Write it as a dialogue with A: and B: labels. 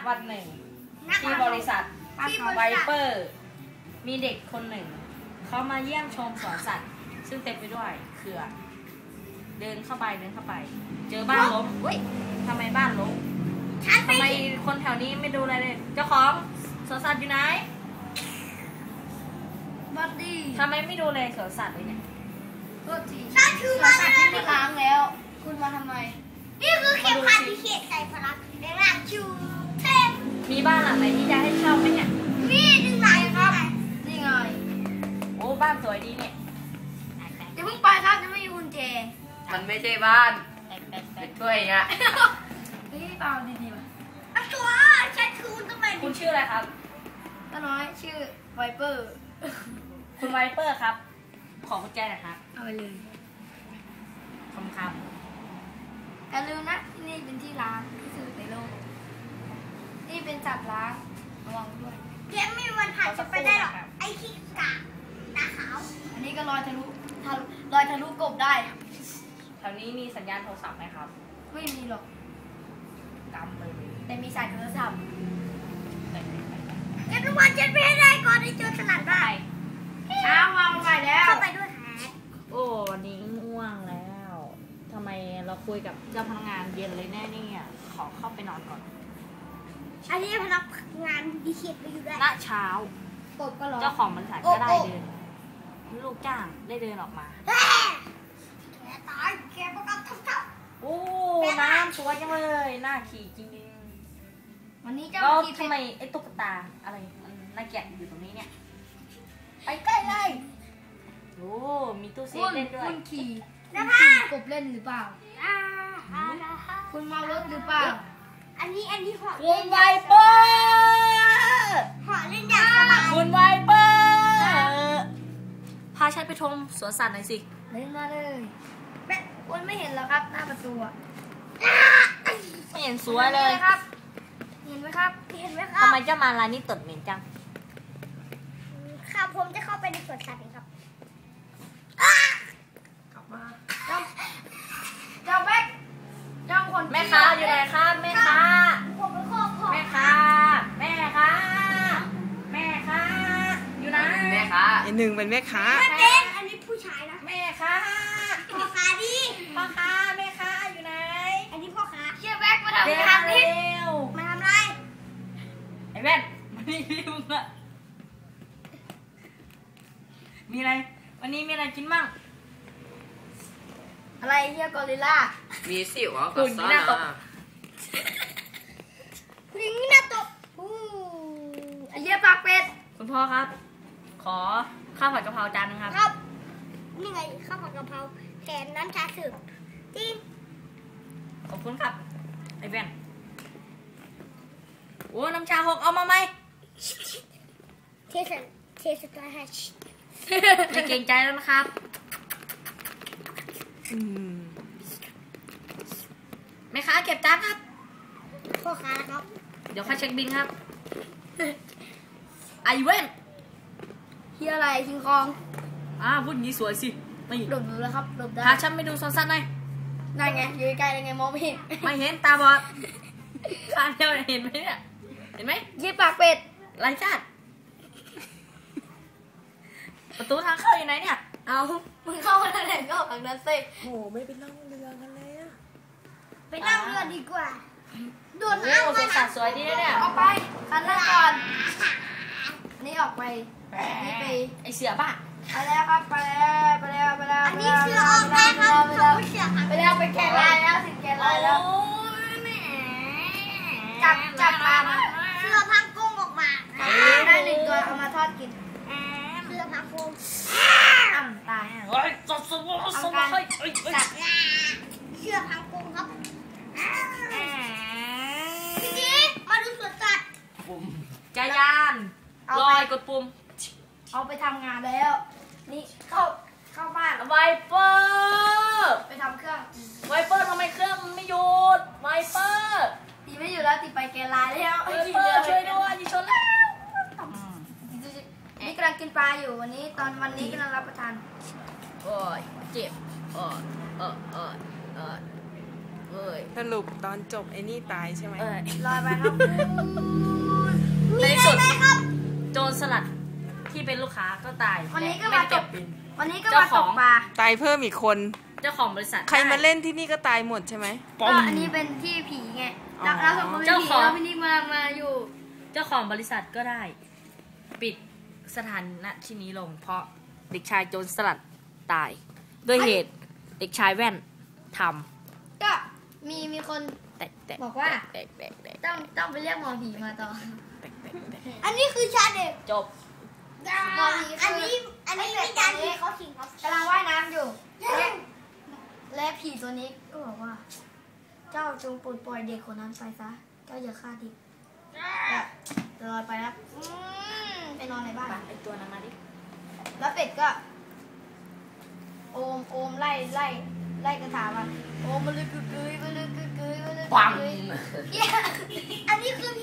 A: วันหนึ่งที่บริษัทไวเปอร์มีเด็กคนหนึ่งเขามาเยี่ยมชมสวนสัตว์ซึ่งเต็มไปด้วยเขื่อนเดินเข้าไปเจอบ้านล้มเฮ้ยทำไมบ้านล้มทำไมคนแถวนี้ไม่ดูอะไรเลยเจ้าของสวนสัตว์อยู่ไหน
B: บัดดี้
A: ทำไมไม่ดูเลยสวนสัตว์เลยเนี่ย
B: ก็ทีสวนสัตว์ที่ไม่ล้างแล้วคุณมาทำไม
C: นี่คือเข็มขัดที่เขียนใส่พลังในร่างชูเทพ
A: มีบ้านหลังไหนที่จะให้เช่าไหมเนี่ย
C: มีหนึ่งหลังครับ
B: นี่ไง
A: โอ้บ้านสวยดีเนี่ย
B: จะเพิ่งไปครับจะไม่มีกุญแจ
D: มันไม่ใช่บ้านเป็นถ้วยอ่ะ
B: นี่เปล่าดีๆป่ะ
C: ตัวฉันคือคุณต้องไป
A: คุณชื่ออะไรครับ
B: ป้าน้อยชื่อไวเปอร์
A: คุณไวเปอร์ครับขอกุญแจหน่อยครับ
B: เอาไปเลย
A: คำ
B: อย่าลืมนะที่นี่เป็นที่ล้างที่สุดในโลกนี่เป็นจับล้างระวังด้วย
C: เกมไม่มีวันผ่านจะไปได้หรอกไอ้ขี้กากตาขาว
B: อันนี้ก็ลอยทะลุกบได้
A: แถวนี้มีสัญญาณโทรศัพท์ไหมครับ
B: ไม่มีหรอก
A: กำเลย
B: แต่มีสายโทรศัพท์
C: เกมทุกวันฉันไปให้ได้ก่อนที่จะสลัดได้
B: เช้าวางไปแล้ว
C: เข้าไปด้วยฮะ
A: โอ้วันนี้ง่วงแล้วทำไมเราคุยกับเจ้าพนักงานเย็นเลยแน่เนี่ยขอเข้าไปนอนก่อน
C: อันนี้พนักงานดีเขียนไปอยู่ได้
A: ณเช้าเจ้าของบริษัทก็ได้เดินลูกจ้างได้เดินออกมา
C: แกตายแกประกันทับ
A: โอ้น้ำสวยจังเลยน่าขี่จริง
B: วันนี้เจ้า
A: ทำไมไอ้ตุ๊กตาอะไรมันน่าเกลียดอยู่ตรงนี้เนี่ยไปใกล้เลยโอ้มีตู้เซฟเล่นด้วย
B: คุณขี่กบเล่นหรือเปล่าคุณเมารถหรือเปล่า
C: อันนี้ห่อ
A: คุณไวเปอร์
C: ห่อเล่นอย่างสบาย
A: คุณไวเปอร์พาฉันไปชมสวนสัตว์หน่อยสิ
B: เล่นมาเลยคุณไม่เห็นหรอครับหน้าประตู
A: ไม่เห็นสวยเลย
B: ครับเห็นไหมครับ
A: ทำไมเจ้ามาลายนี้ตดเหม็นจัง
C: ครับผมจะเข้าไปในสวนสัตว์เองครับ
B: กลับมาเจ้าแบ๊กเจ้าคน
A: แม่ค้าอยู่ไหนครับแม่ค้า
C: ผมไปข้อ
A: แม่ค้าอยู่ไหน
D: แม่ค้า
E: หนึ่งเป็นแม่ค้า
C: ไม่เป็นอันนี้ผู้ชายนะ
A: แม่ค้า
C: พ่อค้าดิ
A: พ่อค้าแม่ค้าอยู่ไหน
C: อันนี้พ่อค้า
B: เชื่อแบ๊กมาทำงาน
C: นิดมาทำไร
A: ไอ้แว่นมานี่ลุงอะมีอะไรวันนี้มีอะไรกินมั่ง
B: อะไรเฮียกอริลล่า
D: มีสิวก็ซ่อน
C: คุณนี่น่าตก
B: ไอเฮียปากเป็ด
A: คุณพ่อครับขอข้าวผัดกะเพราจานนึงครับ
C: ครับนี่ไงข้าวผัดกะเพราแถมน้ำชาสืบที่
A: ขอบคุณครับไอ้แว่นโอ้น้ำชาหกเอามาไหม
C: เทสตาร์ช
A: ไม่เกรงใจแล้วนะครับแม่ค้าเก็บจานครับ
C: พ่อค้าครับ
A: เดี๋ยวค่าเช็คบินครับไอเว่น
B: เฮียอะไรคิงคอง
A: พูดงี้สวยสิ
B: ไม่หลบดูแล้วครับหลบได้
A: พาฉันไปดูสวนสัตว์หน่อย
B: ได้ไงอยู่ใกล้ได้ไงมองไม่เห็น
A: ไม่เห็นตาบอดข้าเดียวเห็นไหมเนี่ยเห็นไหม
B: ยี่ปากเป็ด
A: ไรชาติประตูทางเข้าอยู่ไหนเนี่ย
B: เอามึงเข้าทางไหนก็ออกทางนั้นสิ
E: โหไม่ไปนั่งเรือกันเลยอะ
C: ไปนั่งเรือดีกว่าโดนน้ำ
A: สวนสัตว์สวยดีเนี่ย
B: ออกไปคันแรกก่อนนี่ออกไปนี่ไป
A: ไอเสือบ้า
B: ไปแล้วครับไปแล้ว
C: อันนี้เสือออกไปครับเขาเสือ
B: ไปแล้วไปแกะลายแล้วถึงแกะลายแล้วจับปลามา
C: เสือพังกุ้งออกมา
B: ได้หนึ่งตัวเอามาทอดกิน
C: เสือพังกุ้ง
B: ตาย
A: เฮ้ยจับสมองจับ
C: เสือพังกุ้งครับพี่จี๊ดมาดูสวนสัตว์
A: จักรยานลอยกดปุ่ม
B: เอาไปทำงานแล้วนี่เข้าบ้าน
A: ไวเปอร์
B: ไปทำเครื่อง
A: ไวเปอร์ทำไมเครื่องไม่หยุดไวเปอร์
B: ตีไม่อยู่แล้วตีไปแกลายแล้ว
A: ไวเปอร์ช่วยด้วยดิชนแล้ว
B: นี่กำลังกินปลาอยู่วันนี้กำลังรับประทาน
A: โอ้ยเจ็บ
D: เอ้ย
E: สรุปตอนจบไอ้นี่ตายใช่ไหม
B: ลอยไปครับ
A: ในที่สุดโจรสลัดที่เป็นลูกค้าก็ตาย
B: วันนี้ก็
A: และ
B: มา
A: ไม่
B: ต
A: เก็
B: ก
A: บบิน
B: วันนี้ก็มาตกปลา
E: ตายเพิ่มอีกคน
A: เจ้าของบริษัท
E: ใครมา
A: ได้
E: เล่นที่นี่ก็ตายหมดใช่ไหม
B: ก็อันนี้เป็นที่ผีไง
E: อ๋อ
B: เราสองคนเป็น
A: เจ้า
B: ผี
A: ของ
B: แล้วพี่นิกมาอยู่
A: เจ้าของบริษัทก็ได้ ปิดสถานะที่นี้ลง เพราะเด็กชายโจรสลัดตายด้วยเหตุเด็กชายแว่นท
B: ก็มีคน
A: ำแตก
B: บอกว่า
A: แตก
B: ต้องไปเรียกหมอผีมาต่อ
C: อันนี้คือชาเด็ก
A: จบ
B: หมอผี
C: อัน
B: คือ
C: นี้วิจารณ์ที่เขาสิงครับ
B: กำลังว่ายน้ำอยู่และผีตัวนี้ก็บอกว่า เจ้าจงปลดปล่อยเด็กคนนั้นไปซะ เจ้าอย่าฆ่าเด็กจะลอยไปนะไปนอนในบ้าน
A: ไอตัวนั้นมาดิ
B: แล้วเป็ดก็ โอมไล่กระถามันโอมมันเลยกึกกึยมันเลยกึกกึยมันเลยกึก
A: ปัง
B: กึย
C: อันนี้คือ